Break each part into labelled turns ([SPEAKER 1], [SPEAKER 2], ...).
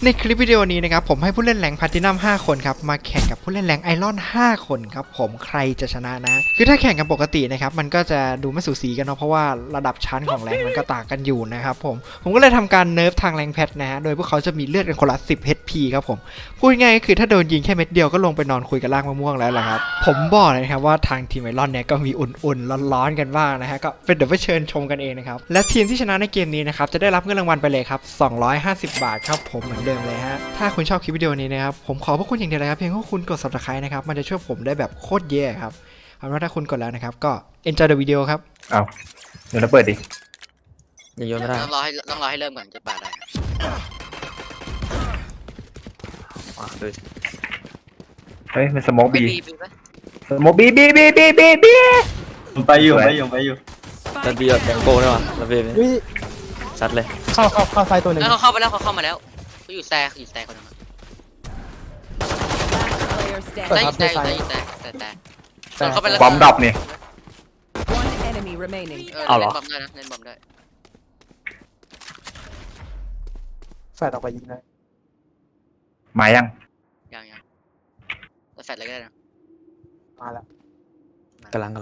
[SPEAKER 1] ในคลิปวิดีโอนี้นะครับผมให้ผู้เล่นแรงแพลตินัม5คนครับมาแข่งกับผู้เล่นแรงไอรอน5คนครับผมใครจะชนะนะคือถ้าแข่งกันปกตินะครับมันก็จะดูไม่สูสีกันเนาะเพราะว่าระดับชั้นของแรงมันก็ต่างกันอยู่นะครับผมก็เลยทำการเนิร์ฟทางแรงแพทนะฮะโดยพวกเขาจะมีเลือดกันคนละ10 HP ครับผมพูดง่ายก็คือถ้าโดนยิงแค่เม็ดเดียวก็ลงไปนอนคุยกับล่างมะม่วงแล้วแหละครับผมบอกเลยนะครับว่าทางทีมไอรอนเนี่ยก็มีอุ่นๆร้อนๆกันบ้างนะฮะก็เดี๋ยวไปเชิญชมกันเองนะครับและทีมที่ชนะในเกมนี้นะครับจะได้รับเงินรางวัลไปเลยครับ250 บาทครับผมเหมือนเดิมเลยฮะถ้าคุณชอบคลิปวิดีโอนี้นะครับผมขอพวกคุณอย่างเดียวเลยครับเพียงแค่คุณกด Subscribe นะครับมันจะช่วยผมได้แบบโคตรเย่ครับเอาเป็นว่าถ้าคุณกดแล้วนะครับก็ enjoy the video ครับ
[SPEAKER 2] เอาเดี๋ยวเราเปิดดิ
[SPEAKER 3] อย่าโยนไม่ได้
[SPEAKER 4] ต้องรอให้เริ่มก่อนจะปาดได้
[SPEAKER 3] เลย
[SPEAKER 2] เฮ้ยมันสโมกบี
[SPEAKER 4] ปะ
[SPEAKER 2] สโมกบี
[SPEAKER 5] ไปอยู่
[SPEAKER 3] แล้วบีแบบแบงโก้ด้วยว่ะแล้วบีซัดเลย
[SPEAKER 5] เข้าไซต์ตัวหนึ่ง
[SPEAKER 4] แล้วเขาเข้าไปแล้วเขาเข้ามาแล้วเขาอยู่แซคนนึงแต่เข้าไปแล้ว
[SPEAKER 2] บอมดรอปนี่
[SPEAKER 3] เอาเหรอ
[SPEAKER 4] เล่นบอมได้
[SPEAKER 5] แฟดออกไปยิงได้
[SPEAKER 2] มายัง
[SPEAKER 4] ยังแต่แฟดอะไรก็ได้นะ
[SPEAKER 5] มาแล้ว
[SPEAKER 3] กำลัง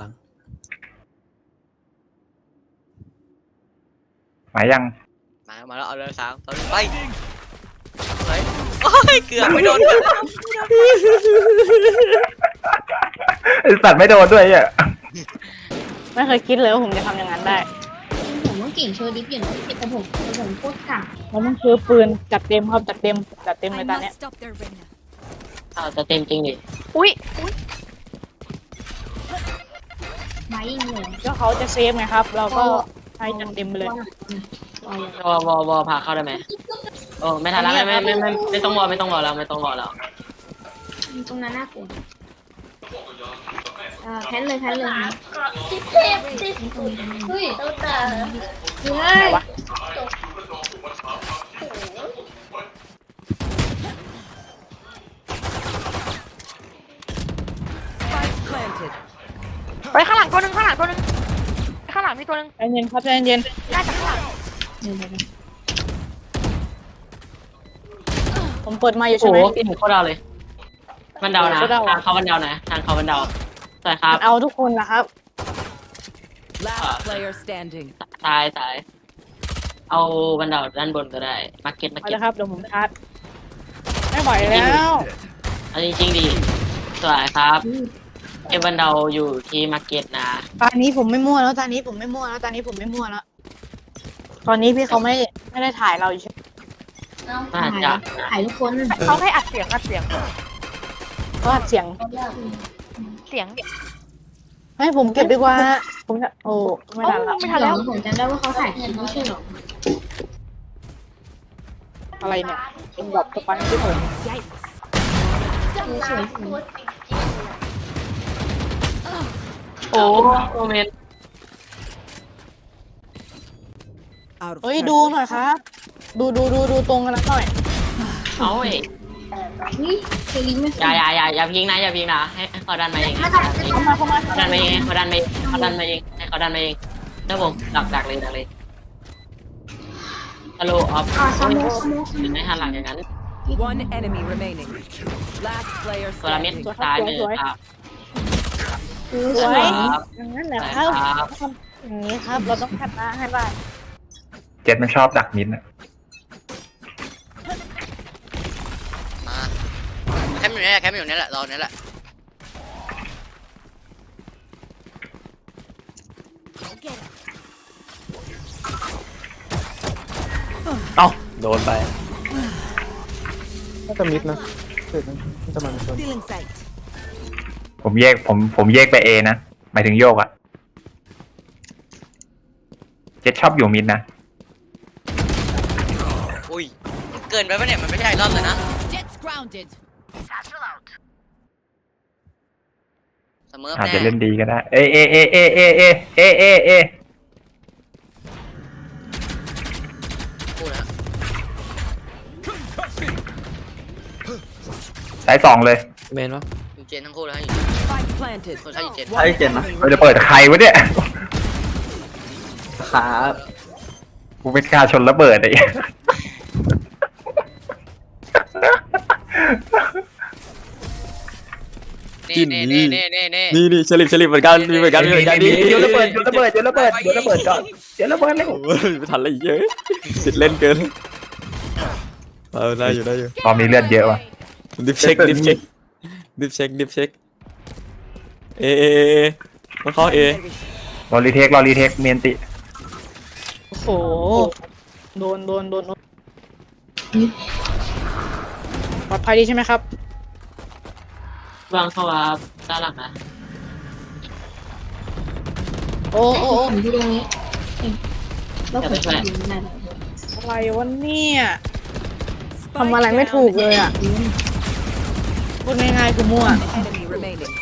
[SPEAKER 2] มายัง
[SPEAKER 4] มาแล้วเอาเลย3 2 1ไปโอ้ยเกือบไม่โดน
[SPEAKER 2] ไอสัตว์ไม่โดนด้วยอ่ะ
[SPEAKER 6] ไม่เคยคิดเลยว่าผมจะทำอย่างนั้นได้
[SPEAKER 7] ผมต้องเก่งโชว์ดิฟอย่างนี้แต่ผมโคตรกาก
[SPEAKER 6] มันต้องซื้อปืนจัดเต็มครับจัดเต็มในตอนเนี้ย
[SPEAKER 4] จะเต็มจริงดิ
[SPEAKER 6] อุ้ย
[SPEAKER 7] ไม้ยิงเลย
[SPEAKER 6] ก็เขาจะเซฟไงครับ เราก็ให้จัดเต็มไปเลย
[SPEAKER 4] วอพาเข้าได้ไหมโอ้ไม่ทันแล้วไม่ต้องวอแล้ว
[SPEAKER 7] ตรงนั้นน่ากลัวแพ้เลยเฮ้ยตัวตาเฮ้ย
[SPEAKER 6] ไปข้างหลังตัวนึงข้างหลังมีตัวนึงใจเย็นครับใจเย็นน่าจะข้างหลังผมเปิดมาอยู่ใช่ไหม
[SPEAKER 4] โอ้พี่หนูโคตรเอาเลยบันเดานะทางเขาบันเดานะทางเขาบันเดาใช่ครับ
[SPEAKER 6] เอาทุกคนนะครับ
[SPEAKER 4] ตายเอาบันเดาด้านบนก็ได้มาร์เก็ต
[SPEAKER 6] เอาละครับเดี๋ยวผมชาร์จไม่ไหวแล้ว
[SPEAKER 4] เอาจริงๆดิสวยครับเอบันเดาอยู่ที่มาร์เก็ตนะ
[SPEAKER 6] ตอนนี้ผมไม่มั่วแล้วตอนนี้พี่เขาไม่ได้ถ่ายเราอยู่ใช่ไหม
[SPEAKER 7] ถ่ายทุกคน
[SPEAKER 6] เขาให้อัดเสียงเขาอัดเสียงให้ผมเก็บดีกว่าผมจะโอ้ไม่ทันแล้ว
[SPEAKER 7] ผมจำได้ว่าเขาถ่ายคลิปไม่ใช่หรอ
[SPEAKER 6] อะไรเนี่ยเป็นแบบสปันที่ผม
[SPEAKER 4] โอ้โมเมนต์
[SPEAKER 6] เฮ้ยดูหน่อยครับดูตรงกันหน่อย
[SPEAKER 4] เอาเว้ย
[SPEAKER 7] นี่เซลิงไม่
[SPEAKER 4] อย่าพิงนะให้เขาดันมาเอง
[SPEAKER 6] เข้ามา
[SPEAKER 4] ดันมาเองเขาดันมาเองให้เขาดันมาเองแล้วผมดักเลยฮัลโหลออฟ
[SPEAKER 7] สโมก
[SPEAKER 4] ไม่หันหลังอย่างนั้น
[SPEAKER 8] One enemy remaining. Last player
[SPEAKER 4] ตัวละเม็ด
[SPEAKER 8] standing.
[SPEAKER 4] ซ้ายมือครับ
[SPEAKER 6] สวยอย่างนั้นแหละครับอย่างนี้ครับเราต้องชนะให้ได้
[SPEAKER 2] เจ็ดมันชอบดักมิดอ่ะ
[SPEAKER 4] มาแคมป์อยู่นี่แหละรอนี่แหละ
[SPEAKER 3] เอ้าโดนไป
[SPEAKER 5] น่าจะมิดนะเสร็จจะมาชน
[SPEAKER 8] Stealing sight.
[SPEAKER 2] ผมแยกไปเอนะหมายถึงโยกอ่ะเจ็ดชอบอยู่มิดนะ
[SPEAKER 4] อุ้ยเกินไปปะเนี่ยมันไม่ใช่รอบเลยนะ
[SPEAKER 8] Jets grounded.
[SPEAKER 4] เสมอ
[SPEAKER 2] อาจ
[SPEAKER 4] แน่
[SPEAKER 2] จะเล่นดีก็ได้เอ
[SPEAKER 4] พูดนะ
[SPEAKER 2] สาย2เลย
[SPEAKER 3] เมนวะ
[SPEAKER 4] อยู่เจนทั้งคู่แล้ว
[SPEAKER 8] Spike planted.
[SPEAKER 4] คนใช้อยู่เจน
[SPEAKER 5] ใช่เจนนะ
[SPEAKER 2] เราจะเปิดใครวะเนี่ย
[SPEAKER 5] ครับ
[SPEAKER 2] กูไม่กล้าชนระเบิดไอ้
[SPEAKER 3] จิ้น
[SPEAKER 4] นี่
[SPEAKER 3] นี่ฉลิบเหมือนกันมีเหมือนกันมีเหมือนกัน
[SPEAKER 2] โยนระเบิดโยนระเบิดโยนระเบิดโยนระเบิดก่อนโยนระเบิดเลย
[SPEAKER 3] โอ้ยไม่ทันเลยเยอะติดเล่นเกินได้อยู่
[SPEAKER 2] ตอนนี้เลือดเยอะว่ะ
[SPEAKER 3] ดิฟเช็คเอมันเข้าเอ
[SPEAKER 2] รอรีเทคเมียนติ
[SPEAKER 6] โอ้โหโดนปลอดภัยดีใช่ไหมครับ
[SPEAKER 4] วางเข้าว่าด้านหลังนะ
[SPEAKER 6] โอ้
[SPEAKER 7] ผมที่ตรงนี้แล้วผมจะยิงได้
[SPEAKER 6] อะไรวะเนี่ยทำอะไรไม่ถูกเลยอ่ะพูดง่ายๆคือมั่ว
[SPEAKER 8] Enemy remaining.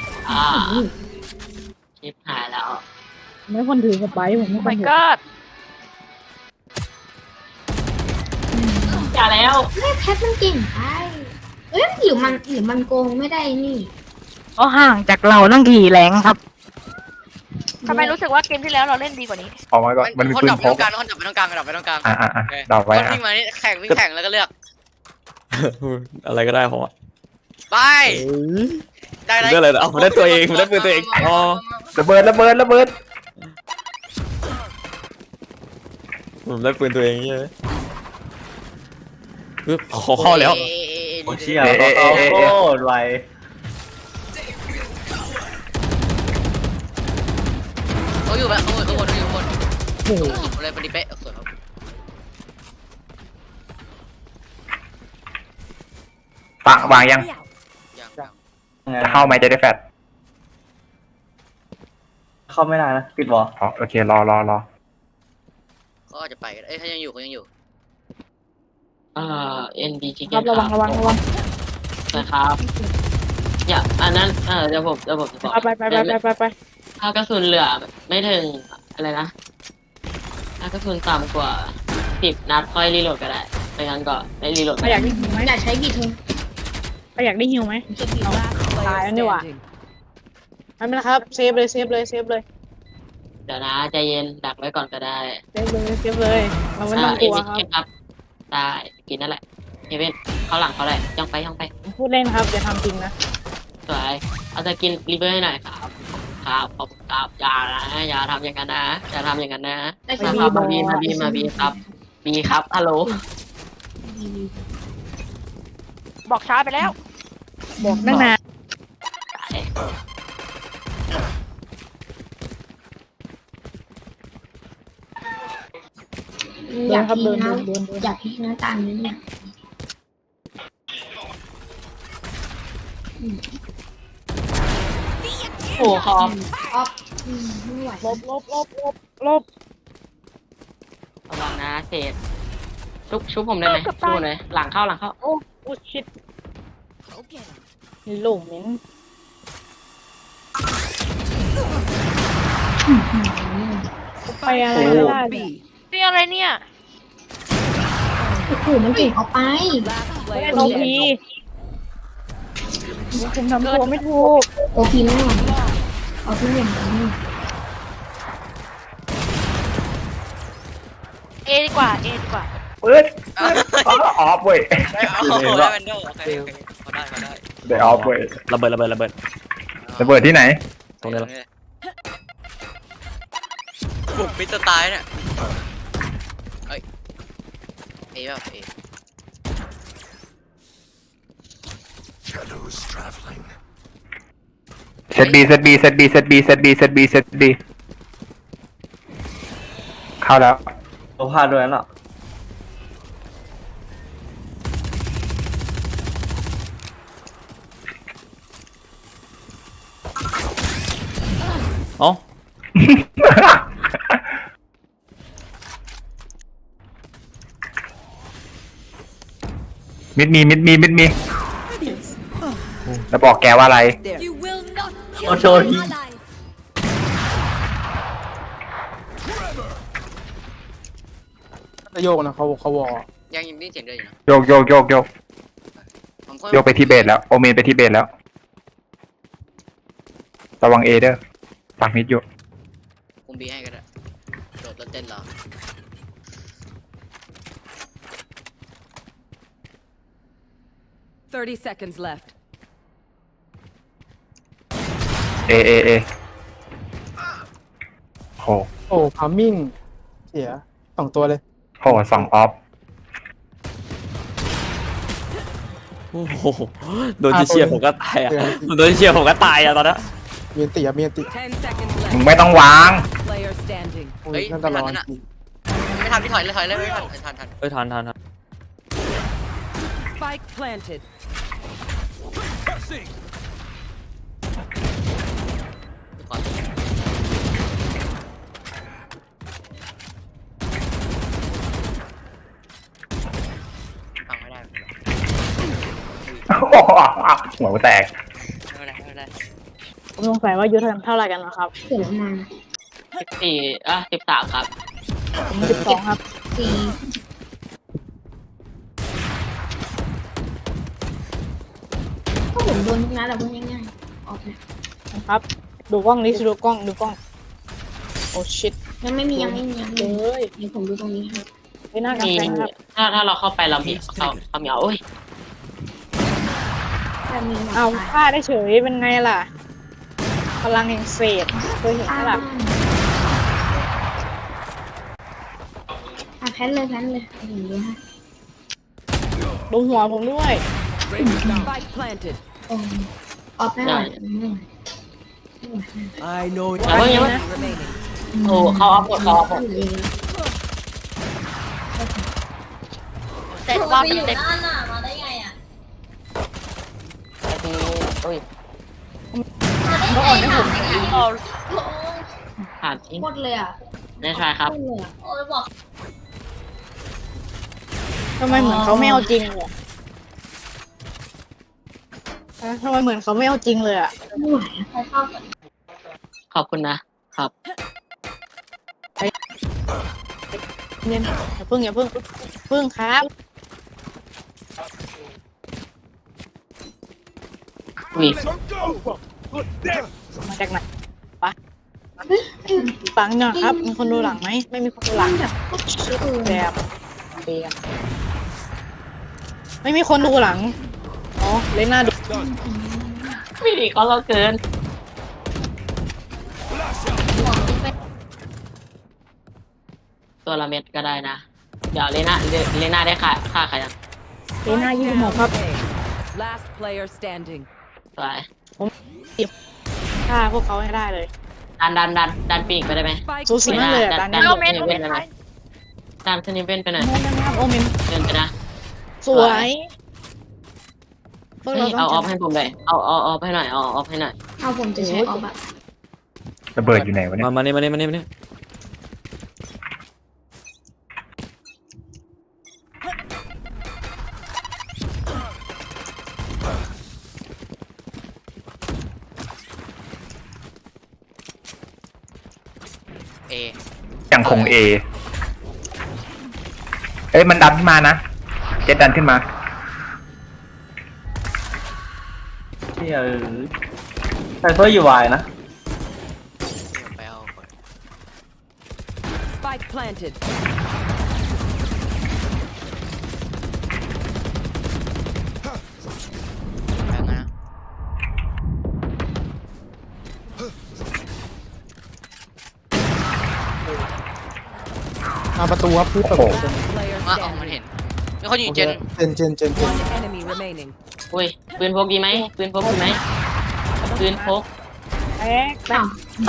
[SPEAKER 4] ชิปหายแล้ว
[SPEAKER 6] ไม่คนถือสไปร์ผมไม่คนถือ
[SPEAKER 4] อย่าแล้ว
[SPEAKER 7] แม่แพทมันเก่งไปเอ้ยหรือมันโกงไม่ได้นี่
[SPEAKER 6] ก็ห่างจากเราตั้งกี่แรงครับ
[SPEAKER 9] ทำไมรู้สึกว่าเกมที่แล้วเราเล่นดีกว่านี้
[SPEAKER 2] ออกมาก่อนมันมีปืนพก
[SPEAKER 4] คนดับไปตรงกลาง
[SPEAKER 2] ดับไว้
[SPEAKER 4] คนวิ่งมานี่แข่งแล้วก็เลือก
[SPEAKER 3] อะไรก็ได้ผมอ่ะ
[SPEAKER 4] ไปได้
[SPEAKER 3] เรื่องอะไรเอาผมได้ตัวเองผมได้ปืนตัวเองอ๋อ
[SPEAKER 2] ระเบิด
[SPEAKER 3] ผมได้ปืนตัวเองใช่ไหมขอเข้าแล้ว
[SPEAKER 2] เชี่ยโคตรไว
[SPEAKER 4] เขาอยู่แบบข้างบนเลยพอดีเป๊ะสวยครับ
[SPEAKER 2] ปังวางยังจะเข้าไหมจะได้แฟด
[SPEAKER 5] เข้าไม่ได้นะปิดวอล
[SPEAKER 2] อ๋อโอเครอ
[SPEAKER 4] เขาอาจจะไปกันเขายังอยู่ND ชิค
[SPEAKER 6] ค
[SPEAKER 4] เก้
[SPEAKER 6] รับ
[SPEAKER 4] น
[SPEAKER 6] ระวัง
[SPEAKER 4] นะครับอย่าอันนั้นเดี๋ยวผมจะบอก
[SPEAKER 6] ไป
[SPEAKER 4] ถ้ากระสุนเหลือไม่ถึงอะไรนะถ้ากระสุนต่ำกว่า10 นัดค่อยรีโหลดก็ได้ไม่งั้นก็ไม่รีโหลด
[SPEAKER 6] ไปอยากได้หิวไหม
[SPEAKER 7] อยากใช้กี่เทอม
[SPEAKER 6] ไปอยากได้หิวไหม
[SPEAKER 7] เก็บกี่
[SPEAKER 8] Last player
[SPEAKER 6] Tài đi ạ.
[SPEAKER 8] standing.
[SPEAKER 6] ไม่เป็นไรครับเซฟเลย
[SPEAKER 4] เดี๋ยวนะใจเย็นดักไว้ก่อนก็ได้
[SPEAKER 6] เราไม่ต้องกลัวครับ
[SPEAKER 4] ครับได้กินนั่นแหละเฮเว่นเขาหลังเขาเลยย่องไป
[SPEAKER 6] พูดเล่นครับอย่าทำจริงนะ
[SPEAKER 4] สวยเอาจะกินรีเบอร์ให้หน่อยครับขอบคุณครับอย่าทำอย่างนั้นนะ
[SPEAKER 7] ได้
[SPEAKER 6] ไป
[SPEAKER 7] กี่
[SPEAKER 6] บี
[SPEAKER 4] มาบีครับบีครับฮัลโหล
[SPEAKER 9] บอกช้าไปแล้ว
[SPEAKER 6] บอกตั้งนานเดินครับเดิน
[SPEAKER 7] อยากให้หน้าตานี้เนี่ย
[SPEAKER 4] โอ้ขอบ
[SPEAKER 7] อ๊อฟไม่ไหว
[SPEAKER 6] ลบ
[SPEAKER 4] ระวังนะเศษชุบผมได้ไหมชุบเลยหลังเข้า
[SPEAKER 6] โอ้ชิดหลุมมิ้นไปอะไรไม่ได้
[SPEAKER 8] B.
[SPEAKER 9] นี่อะไรเนี่ย
[SPEAKER 7] โอ้โหมันเก่งเอาไป
[SPEAKER 8] Last
[SPEAKER 6] ไม่
[SPEAKER 8] player
[SPEAKER 6] ได้โอพี
[SPEAKER 8] standing.
[SPEAKER 6] ผมทำตัวไม่ถูก
[SPEAKER 7] โอพีแน่นอนเอาทุกอย่างนี้
[SPEAKER 9] เอดีกว่า
[SPEAKER 2] ปืนออฟเว้ย
[SPEAKER 4] ได้แวนโดโอเคเขาได้
[SPEAKER 2] ได้ออฟเว้ย
[SPEAKER 3] ระเบิด
[SPEAKER 2] ระเบิดที่ไหน
[SPEAKER 3] ตรงนี้ละ
[SPEAKER 4] บุกมิสไตล์เนี่ยเอ้ยเอแบบเอ
[SPEAKER 2] เซตบีเข้าแล้ว
[SPEAKER 5] เราพลาดด้วยนั่นหรอ
[SPEAKER 3] เอ้า
[SPEAKER 2] มิดมีแล้วบอกแกว่าอะไร
[SPEAKER 8] There.
[SPEAKER 5] โอโชว์ทีโยกนะเขาวอ
[SPEAKER 4] ยังยินได้เสียงเดินอยู่นะ
[SPEAKER 2] โยกไปที่เบสแล้วโอเมนไปที่เบสแล้วระวังเอเด้อปักมิดอยู่
[SPEAKER 4] คุมบีให้ก็ได้โดดแล้วเต้นรอ
[SPEAKER 8] 30 seconds left.
[SPEAKER 2] เอโห
[SPEAKER 5] โอ้พามิ่งเสีย2 ตัวเลย
[SPEAKER 2] โหสองออฟ
[SPEAKER 3] โอ้โหโดนเชียร์ผมก็ตายอ่ะโดนเชียร์ผมก็ตายอ่ะตอนนั้น
[SPEAKER 5] เมียนติเมียนติ
[SPEAKER 8] 10 seconds
[SPEAKER 2] มึง
[SPEAKER 8] left.
[SPEAKER 2] ไม่ต้องวาง
[SPEAKER 8] Player standing.
[SPEAKER 5] โอ้ยนั่นตลอด
[SPEAKER 10] ไม่ทันพี่ถอยเลยไม่ทันทัน
[SPEAKER 3] เอ้ยทัน
[SPEAKER 8] Spike planted.
[SPEAKER 10] ฟังไม่ได้
[SPEAKER 2] หัวกูแตก
[SPEAKER 10] ไม่ได้
[SPEAKER 6] ผมสงสัยว่าอายุเท่าไหร่กันนะครับ
[SPEAKER 7] เกิดมา
[SPEAKER 4] 13ครับ
[SPEAKER 6] ผม12ครับ
[SPEAKER 7] สีก็ผมโดนทุกนัดแหละพูดง่ายๆออกนะครับ
[SPEAKER 6] ดูกล้องนี้ดูกล้องโอ้ชิต
[SPEAKER 7] ยังไม่มียังไม่มี
[SPEAKER 6] เลย
[SPEAKER 7] เดี๋ยวผมดูตรงนี้ให้
[SPEAKER 6] ไปหน้ากำ
[SPEAKER 4] มี
[SPEAKER 6] แพงครับ
[SPEAKER 4] ถ้าเราเข้าไปเรามีเขามีโอ้ย
[SPEAKER 7] จะมีหมด
[SPEAKER 6] เอาฆ่าได้เฉยเป็นไงล่ะ พลังแห่งเศษเคยเห็นไหมล่ะ
[SPEAKER 7] แพนเลยอย่างนี้ฮะ
[SPEAKER 6] ดูหัวผมด้วย
[SPEAKER 8] Spike planted.
[SPEAKER 7] ออกไม่ไหว
[SPEAKER 5] I know
[SPEAKER 4] อย่าเพิ่ง
[SPEAKER 8] Enemy remaining.
[SPEAKER 4] โอ้เขาเอาหมด
[SPEAKER 9] เต็มรอบเต็ม
[SPEAKER 7] มาได้ไงอ่ะ
[SPEAKER 4] โอ้ย
[SPEAKER 6] ก็อ่อนให้ผม
[SPEAKER 4] ผ่านจริง
[SPEAKER 7] หมดเลยอ่ะ
[SPEAKER 4] ได้ใช่ครับ
[SPEAKER 7] หมดเลยอ่ะโอ้ยบอก
[SPEAKER 6] ทำไมเหมือนเขาไม่เอาจริงเลยทำไมเหมือนเขาไม่เอาจริงเลยอ่ะ
[SPEAKER 7] ไม่ไหวใครเข้าก่อน
[SPEAKER 4] ขอบคุณนะครับ
[SPEAKER 6] เนี่ยอย่าเพิ่งครับ
[SPEAKER 4] อุ้ย
[SPEAKER 6] มาจากไหนปะฟังหน่อยครับ มีคนดูหลังไหมไม่มีคนดูหลัง
[SPEAKER 7] แบบโคตรชิลเลย
[SPEAKER 6] แบบเบียร์ไม่มีคนดูหลังอ๋อเลยหน้าดู
[SPEAKER 4] ไม่ดีก็เราเกิน ตัวละเม็ดก็ได้นะ เดี๋ยวเลน่าได้ค่าใครอ่ะ
[SPEAKER 6] เลยหน้า26ครับ
[SPEAKER 8] Last player standing.
[SPEAKER 4] สวย
[SPEAKER 6] ฆ่าพวกเขาให้ได้เลย
[SPEAKER 4] ดันปีกไปได้ไหม
[SPEAKER 8] Spike
[SPEAKER 6] สูสีมากเลยอ่ะตอนนี้
[SPEAKER 9] โอเมนไป
[SPEAKER 4] ดันสนิเวนไปหน่อย
[SPEAKER 6] โมเมนต์ครับโอเมน
[SPEAKER 4] เดินไปนะ
[SPEAKER 6] สวยพวกเรา
[SPEAKER 4] เอาอ
[SPEAKER 6] ต้
[SPEAKER 4] อ
[SPEAKER 6] อง
[SPEAKER 4] ฟให้ผมเลยเอาออฟให้หน่อยเอาออฟให้หน่อย
[SPEAKER 7] เอาผมจะใช้ออกแบบ
[SPEAKER 2] ระเบิดอยู่ไหนวะเนี่ย
[SPEAKER 3] มานี่
[SPEAKER 10] เอ
[SPEAKER 2] ยังคงเอเอ้ยมันดันขึ้นมานะเจ็ดดันขึ้นมา
[SPEAKER 5] เที่ยไซเฟอร์อยู่วายนะ
[SPEAKER 10] ไปเอาก่อน
[SPEAKER 8] Spike planted.
[SPEAKER 10] แล้วนะ
[SPEAKER 5] ประตูครับพี่เปิด
[SPEAKER 8] Player
[SPEAKER 10] มาออกมัน
[SPEAKER 8] standing.
[SPEAKER 10] เห็นมีคนอยู่เจน
[SPEAKER 8] One enemy remaining.
[SPEAKER 4] อุ้ยปืนพกดีไหมปืนพก
[SPEAKER 6] แอ๊กแป๊บ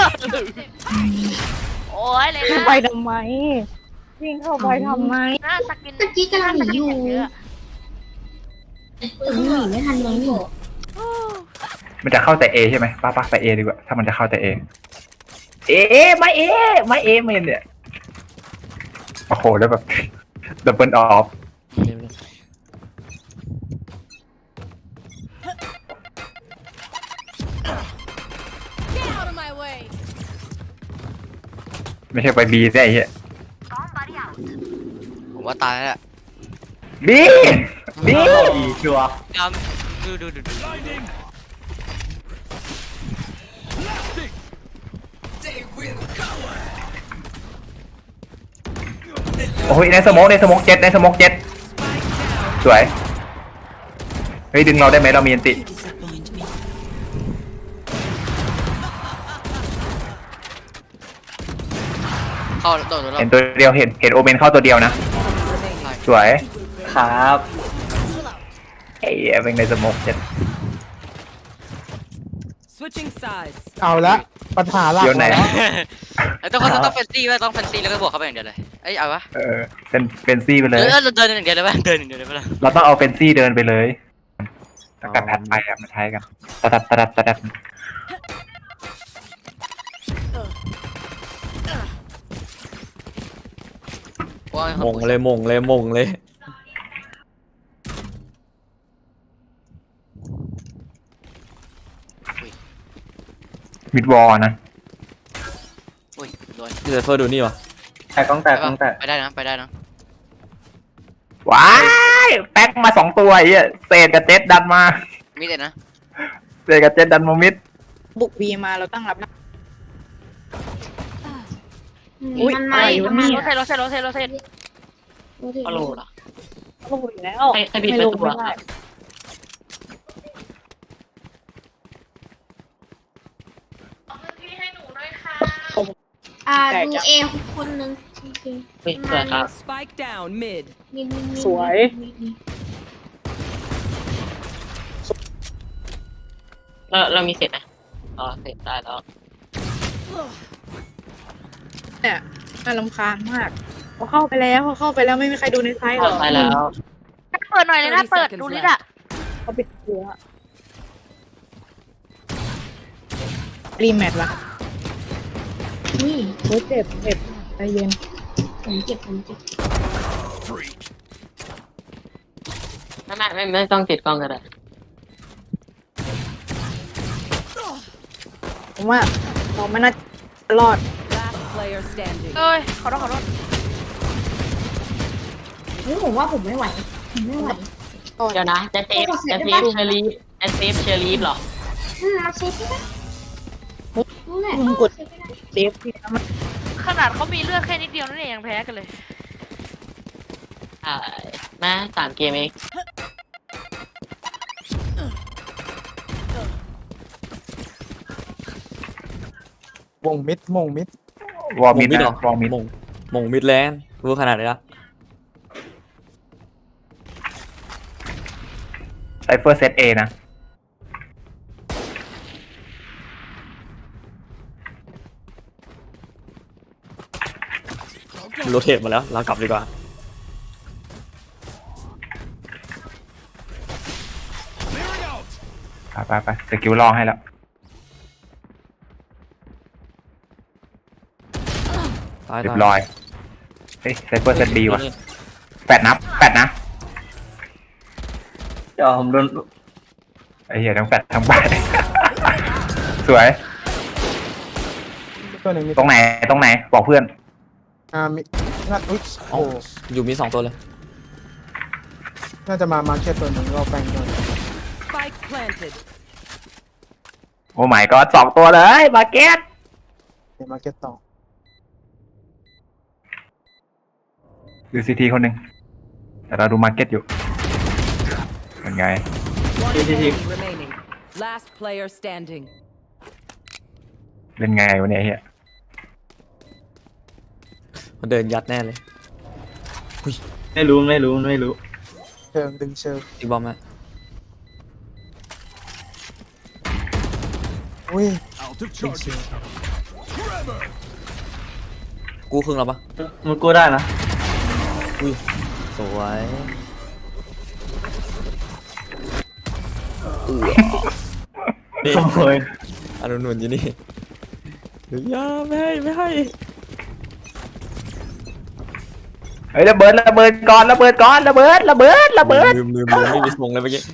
[SPEAKER 9] โอ้ยเลย
[SPEAKER 6] เข้า
[SPEAKER 9] นะ
[SPEAKER 6] ไปทำไมวิ่งเข้าไปทำไม
[SPEAKER 9] หน้าสกิน
[SPEAKER 7] ตะกี้กำลังหนีอยู่
[SPEAKER 9] เยอะ
[SPEAKER 7] ถึงหนีไม่ทันเลยนี่
[SPEAKER 2] มันจะเข้าแต่เอใช่ไหมป้าไปเอดีกว่าถ้ามันจะเข้าแต่เอไม่เอเนี่ยโอ้โหแล้วแบบ ดับเบิลออฟไม่ใช่ไปบีได้ไอ้เหี้ย
[SPEAKER 10] ผมว่าตายแล้วแหละ
[SPEAKER 2] บีบี
[SPEAKER 5] ชัวร์
[SPEAKER 10] ดู
[SPEAKER 2] โอ้ยในสโมกเจ็ดสวยเฮ้ยดึงเราได้ไหมเรามีอันติ
[SPEAKER 10] เข้าโดดแล้ว
[SPEAKER 2] เห็นตัวเดียวเห็นโอเมนเข้าตัวเดียวนะ สวย
[SPEAKER 5] ครับ
[SPEAKER 2] ไอ้เหี้ยเป็นในสโมกเจ็ด
[SPEAKER 8] Switching sides.
[SPEAKER 6] เอาละปัญหาหลัก
[SPEAKER 2] เดี๋ยวไหน
[SPEAKER 10] ต้องเฟนซี่ไว้ต้องเฟนซี่แล้วก็บวกเข้าไปอย่างเดียวเลยเอ้ยเอาวะ
[SPEAKER 2] เป็นซี่ไปเลย
[SPEAKER 10] เดินอย่างเดียวเลยป่ะเดินอย่างเดียวเลยป่ะ
[SPEAKER 2] เราต้องเอาเป็นซี่เดินไปเลยสกัดแพทไปอะมาใช้กันตะดัด
[SPEAKER 3] มงเลยมงเลยมงเลย
[SPEAKER 2] มิดวอลนะ
[SPEAKER 10] อุ้ยโดน
[SPEAKER 3] เซฟเฟอร์ดูนี่วะ
[SPEAKER 5] แตกกล้องแตกกล้องแตก
[SPEAKER 10] ไปได้นะ
[SPEAKER 2] ว้ายแป๊กมา2ตัวไอ้เหี้ยเศษกับเจ็ดดันมา
[SPEAKER 10] มีแต่นะ
[SPEAKER 2] เศษกับเจ็ดดันมามิด
[SPEAKER 6] บุกบีมาเราตั้งรับนะ
[SPEAKER 7] มันไม่
[SPEAKER 6] อุ๊ย
[SPEAKER 7] มัน
[SPEAKER 6] อะไร
[SPEAKER 7] ไม่
[SPEAKER 6] วะ
[SPEAKER 9] โรเซตโรเซตโรเซต
[SPEAKER 4] ก็รู้เหรอ
[SPEAKER 6] โอ้โหแล้ว
[SPEAKER 4] ใครบิดประตู
[SPEAKER 6] ไม่
[SPEAKER 4] อะ
[SPEAKER 6] ได้
[SPEAKER 7] ดูเอคนนึงโอเค
[SPEAKER 4] เฮ้ยสวยครับ
[SPEAKER 8] Spike down mid.
[SPEAKER 7] นี่
[SPEAKER 6] สวย
[SPEAKER 4] เรามีเสร็จไหมอ๋อเสร็จได้แล้ว
[SPEAKER 6] เนี่ยน่ารำคาญมากพอเข้าไปแล้วไม่มีใครดูในไซต์หรอก
[SPEAKER 4] ไปแล้ว
[SPEAKER 9] เปิดหน่อยเลยนะเปิดดูลิดอะ
[SPEAKER 6] เขาปิดหัวรีแมทละ
[SPEAKER 7] นี่
[SPEAKER 6] โอ้ยเจ็บใจเย็น
[SPEAKER 7] ผมเจ็บ
[SPEAKER 4] ไม่ต้องติดกล้องก็ได้
[SPEAKER 6] ผมว่าเราไม่น่าจะรอด
[SPEAKER 8] Last player standing.
[SPEAKER 9] เอ้ยขอโทษ
[SPEAKER 7] นี่ผมว่าผมไม่ไหวผมไม่ไหว
[SPEAKER 4] เดี๋ยวนะจะเซฟเชอรี่หรอ
[SPEAKER 7] เราเซฟไม่ได้นั่นแหละ
[SPEAKER 6] มึงกด เซฟที่มัน
[SPEAKER 9] ขนาดเขามีเลือดแค่นิดเดียวนั่นเองยังแพ้กันเลย
[SPEAKER 4] มา3 เกมเอง
[SPEAKER 6] วงมิด
[SPEAKER 2] วอลมิด
[SPEAKER 3] เหร
[SPEAKER 2] นะวอลมิด
[SPEAKER 3] มงมิดแลนด์รู้ขนาดไหนละ
[SPEAKER 2] ไซเฟอร์เซตเอนะ
[SPEAKER 3] โรเทตมาแล้วเรากลับดีกว่า
[SPEAKER 2] ไปสกิลล่อให้แล้ว
[SPEAKER 3] ตาย
[SPEAKER 2] เรียบร้อยเฮ้ยไซเฟอร์เซตบีว่ะแปดนะ
[SPEAKER 5] เดี๋ยวผมโดน
[SPEAKER 2] ไอ้เหี้ยทั้งแปดทั้งแปด สวย
[SPEAKER 6] ตัวหนึ่งมี
[SPEAKER 2] ตรงไหนบอกเพื่อน
[SPEAKER 6] มีน่าอุ๊ย
[SPEAKER 3] อ๋ออยู่มี2ตัวเลย
[SPEAKER 6] น่าจะมาร์เก็ตตัวหนึ่งเราแปลงตัว
[SPEAKER 8] Spike planted.
[SPEAKER 2] โอ้ไม่ก็2ตัวเลยมาเก็ต
[SPEAKER 6] เดี๋ยวมาร์เก็ตต่อ
[SPEAKER 2] ดูซีทีคนหนึ่งแต่เราดูมาร์เก็ตอยู่เป็นไง
[SPEAKER 8] One enemy remaining. Last player standing.
[SPEAKER 2] เป็นไงวะเนี่ยเฮีย
[SPEAKER 3] มันเดินยัดแน่เลย
[SPEAKER 5] ไม่รู้
[SPEAKER 6] เชิงดึงเชิง
[SPEAKER 3] อีกบอมไหม
[SPEAKER 6] อุ้ยดึงเชิง
[SPEAKER 3] กูครึ่งแล้วปะ
[SPEAKER 5] มันกู้ได้นะ
[SPEAKER 3] สวยนี่
[SPEAKER 5] โอ้ย
[SPEAKER 3] อนุนุนอยู่นี่อย่าไม่ให้
[SPEAKER 2] เฮ้ยระเบิดก่อนระเบิด
[SPEAKER 3] ลืมไม่มีสมองเลยเมื่อกี้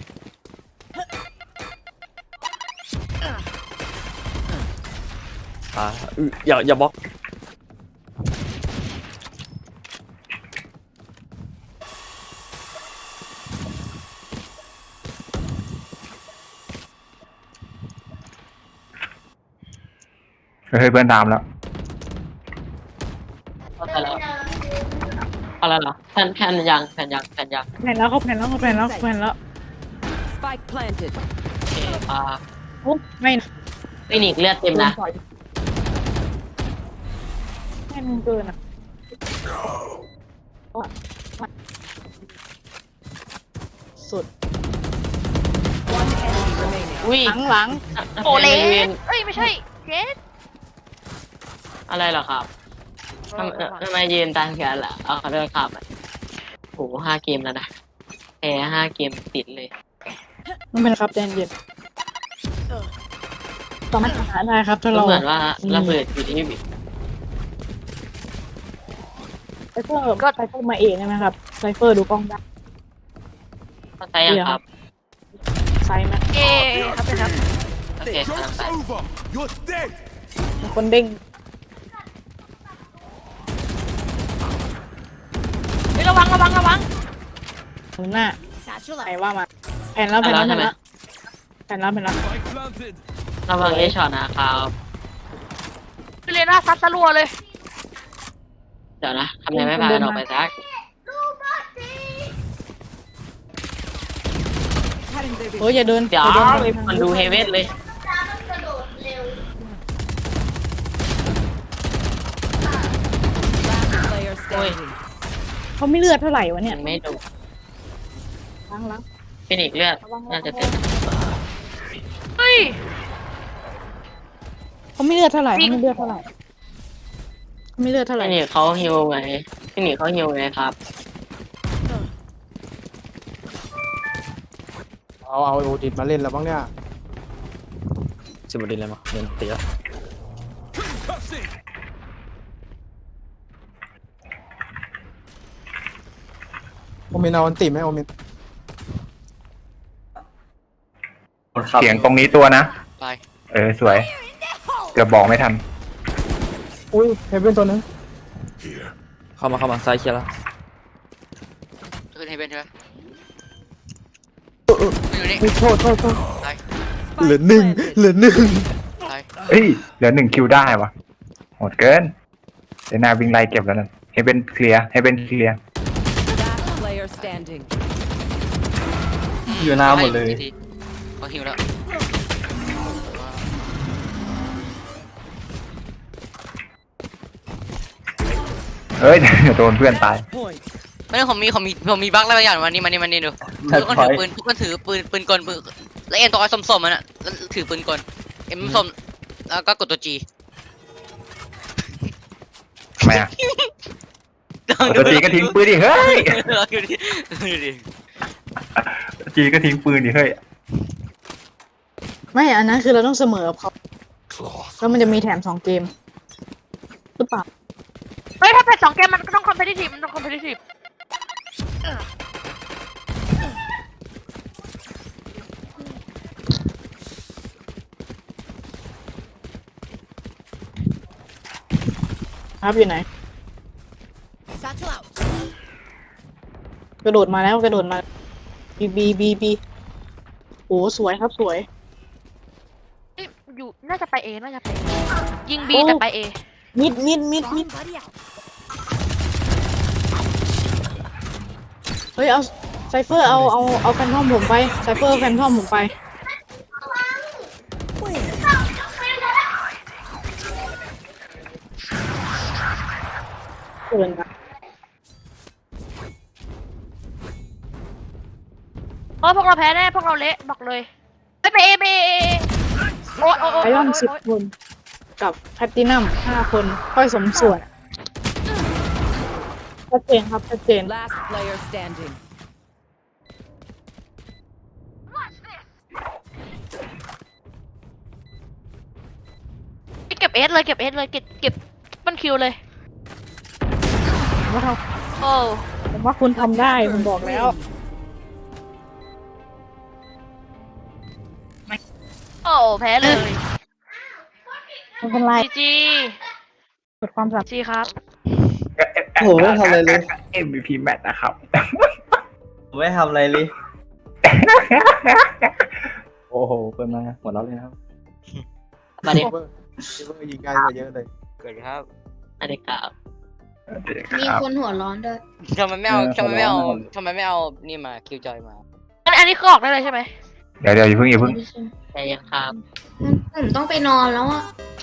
[SPEAKER 3] อย่าบล็อก
[SPEAKER 2] เฮ้ยเพื่อนตามแล้ว
[SPEAKER 4] เข้าใจแล้วเอาแล้วเหรอแผ่นยัง
[SPEAKER 6] แผ่นแล้วเขาแผ่นแล้ว
[SPEAKER 8] Spike planted.
[SPEAKER 4] โอเคอ่า
[SPEAKER 6] โอ้ไม่นะ
[SPEAKER 4] ฟินิกซ์เลือดเต็มนะ
[SPEAKER 6] แม่นเกินอ่ะสุด
[SPEAKER 8] One enemy remaining.
[SPEAKER 4] อุ้ย
[SPEAKER 6] หลัง
[SPEAKER 9] โอเล่
[SPEAKER 4] ทำไมยืน
[SPEAKER 9] เอ้ยไม่ใช่เจส
[SPEAKER 4] อะไรเหรอครับทำไมยืนตามกันล่ะเอาขอโทษครับโอ้โห5 เกมแล้วนะแพ้5 เกมติดเลย
[SPEAKER 6] ไม่เป็นไรครับใจเย็นสามารถหาได้ครับถ้า
[SPEAKER 4] ก็
[SPEAKER 6] เรา
[SPEAKER 4] เหมือนว่าระเบิดอยู่ที่
[SPEAKER 6] ไซเฟอร์ก็ไซเฟอร์มาเองใช่ไหมครับไซเฟอร์ดูกล้องได้
[SPEAKER 4] เข้าใจยังครับ
[SPEAKER 6] ไซส์ไหม
[SPEAKER 9] เอครับเป็นครับ
[SPEAKER 4] โอเคกำลังไป
[SPEAKER 6] มีคนเด้ง
[SPEAKER 9] เฮ้ยระวัง
[SPEAKER 6] หน้าใครว่ามาแผ่นแล้วแผ่นแล้วแผ่นแล้วแผ่นแล้วแผ่นแล้ว
[SPEAKER 4] ระวังเอช็อตนะครับ
[SPEAKER 9] คือเรน่าซัดตะลัวเลย
[SPEAKER 4] เดี๋ยวนะทำไมไม่พากันออกไปซัก
[SPEAKER 6] โอ้ยอย่าเดิน
[SPEAKER 4] เดี๋ยว
[SPEAKER 6] อย่าเดินไปทาง
[SPEAKER 4] มันดูเฮเว่นเลย
[SPEAKER 8] Last player standing.
[SPEAKER 6] เขาไม่เลือดเท่าไหร่วะเนี่ย
[SPEAKER 4] มันไม่ดู
[SPEAKER 6] ล้าง
[SPEAKER 4] ฟินิกซ์เลือดน่าจะเต็ม
[SPEAKER 9] เฮ้ย
[SPEAKER 6] เขาไม่เลือดเท่าไหร่เขาไม่เลือดเท่าไหร่เขาไม่เลือดเท่าไหร่
[SPEAKER 4] ฟินิกซ์เขาฮิวไงฟินิกซ์เขาฮิวไงครับ
[SPEAKER 1] เอาโอดิตมาเล่นแล้วบ้างเนี่ย
[SPEAKER 3] สิบดินเลยมั้งเดินเตี๋ย
[SPEAKER 1] โอเมนเอาอันติไหมโอเมน
[SPEAKER 2] เสียงตรงนี้ตัวนะ
[SPEAKER 10] ไป
[SPEAKER 2] สวยเกือบบอกไม่ทัน
[SPEAKER 1] อุ้ยเฮเว่นตัวนึง
[SPEAKER 3] เข้ามาซ้ายเคลียร์แล้ว
[SPEAKER 10] ขึ้นให้เป็นใช่ไหมอยู่นี่
[SPEAKER 1] โทษ
[SPEAKER 10] ไป
[SPEAKER 1] เหลือหนึ่ง
[SPEAKER 10] ไป
[SPEAKER 2] เฮ้ยเหลือ1 คิวได้วะโหดเกินเดี๋ยวนาวิ่งไล่เก็บแล้วนั่นให้เป็นเคลียร์
[SPEAKER 8] Last player standing.
[SPEAKER 5] อยู่หน้าหมดเลย
[SPEAKER 10] เขาหิวแล้ว
[SPEAKER 2] เฮ้ย เดี๋ยวโดนเพื่อนตาย
[SPEAKER 8] Point.
[SPEAKER 10] ไม่ได้ผมมีบั๊กอะไรบางอย่างวันนี้ดูทุกคนถือปืนปืนกลแล้วเอ็นตัวสมมันอ่ะแล้วถือปืนกลเอ็มส้มแล้วก็กดตัวจี
[SPEAKER 2] ทำไมอ่ะตัวจีก็ทิ้งปืนดิเฮ้ย
[SPEAKER 10] ดูดิ
[SPEAKER 2] จีก็ทิ้งปืนดิเฮ้ย
[SPEAKER 6] ไม่อันนั้นคือเราต้องเสมอกับเขาแล้วมันจะมีแถม2 เกมหรือเปล่า
[SPEAKER 9] เฮ้ยถ้าเป็น2 เกมมันก็ต้องคอมเพลติทีฟมันต้องคอมเพลติทีฟ
[SPEAKER 6] ครับอยู่ไหนกระโดดมาแล้วกระโดดมาบีโอ้สวยครับสวย
[SPEAKER 9] เอ้ยอยู่น่าจะไปเอยิงบีแต่ไปเอ
[SPEAKER 6] มิดเฮ้ยเอาไซเฟอร์เอาแฟนทอมผมไปไซเฟอร์แฟนทอมผมไปเกินครับ
[SPEAKER 9] เพราะพวกเราแพ้แน่พวกเราเละบอกเลยไปเอโอ้ย
[SPEAKER 6] ไอรอน10 คนกับแพลตตินัม5 คนค่อยสมส่วนชัดเจนครับชัดเจน
[SPEAKER 8] Last player standing.
[SPEAKER 9] เก็บเอสเลยเก็บมันคิวเลย
[SPEAKER 6] ผมว่าคุณทำได้ผมบอกแล้ว
[SPEAKER 9] โอ้แพ้เลย
[SPEAKER 6] ไม่เป็นไร
[SPEAKER 9] จี
[SPEAKER 6] เกิดความสับ
[SPEAKER 9] จีครับ
[SPEAKER 5] โอ้โหไม่ทำอะไรเลย
[SPEAKER 2] MVP แมตช์นะครับ
[SPEAKER 5] ผมไม่ทำอะไรเลย
[SPEAKER 3] โอ้โหเปิดมาหมดแล้วเลยครับ
[SPEAKER 4] มาเด็ก
[SPEAKER 1] ยิงง่ายกว่าเยอะเลย
[SPEAKER 10] เกิดครับ
[SPEAKER 4] มาเด็กครับ
[SPEAKER 7] มีคนหัวร้อนด้วย
[SPEAKER 10] ทำไมไม่เอานี่มาคิวจอยมา
[SPEAKER 9] อันนี้คือออกได้เลยใช่ไหม
[SPEAKER 2] เดี๋ยวอย่าเพิ่ง
[SPEAKER 4] ใจเย็นครับ
[SPEAKER 7] ผมต้องไปนอนแล้วอ่ะ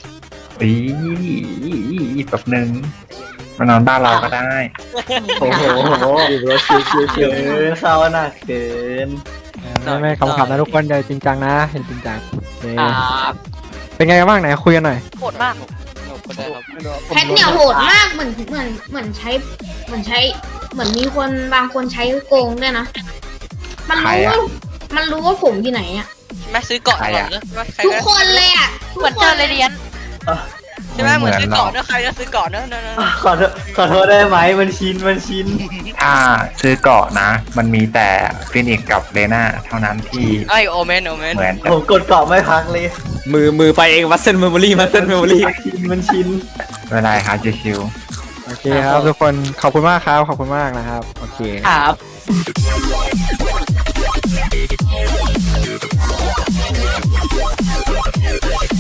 [SPEAKER 2] อีกแบบนึงมานอนบ้านเราก็ได้
[SPEAKER 5] โอ้โหเกินเข้าหนักเกิน
[SPEAKER 1] ไม่ขำๆนะทุกคนอย่าจริงจังนะเห็นจริงจังโอเค
[SPEAKER 4] ครับ
[SPEAKER 1] เป็นไงกันบ้างไหนคุยกันหน่อย
[SPEAKER 9] โหดมาก
[SPEAKER 7] แพทเนี่ยโหดมากเหมือนใช้เหมือนมีคนบางคนใช้โกงด้วยนะ มัน
[SPEAKER 2] ใคร
[SPEAKER 7] รู้
[SPEAKER 2] อะ
[SPEAKER 7] ว่ามันรู้ว่าผมอยู่ไหนอ่ะ
[SPEAKER 10] แม่ซื้อเกาะก่อนเนอะใคร
[SPEAKER 7] ทุก
[SPEAKER 10] ก็
[SPEAKER 7] คนเลยอ่ะ
[SPEAKER 9] เหมือนเจอเลยเรียน
[SPEAKER 10] ใช่ไหมเหมือนซื้อเกาะเนอะใครก็ซื้อเกาะเนอะ
[SPEAKER 5] ขอโทษได้ไหมมันชิน
[SPEAKER 2] ถ้าซื้อเกาะนะ มันมีแต่ฟินิกกับเลน่าเท่านั้นที่
[SPEAKER 10] ไอโอเมน
[SPEAKER 2] เหมือน
[SPEAKER 5] ผมกดเกาะไม่พักเลย
[SPEAKER 3] มือไปเองมัสเซนเมมโมรี่
[SPEAKER 5] มันชิน
[SPEAKER 2] เวลาครับชิว
[SPEAKER 1] โอเคครับทุกคนขอบคุณมากครับขอบคุณมากนะครับโอเค
[SPEAKER 4] ครับ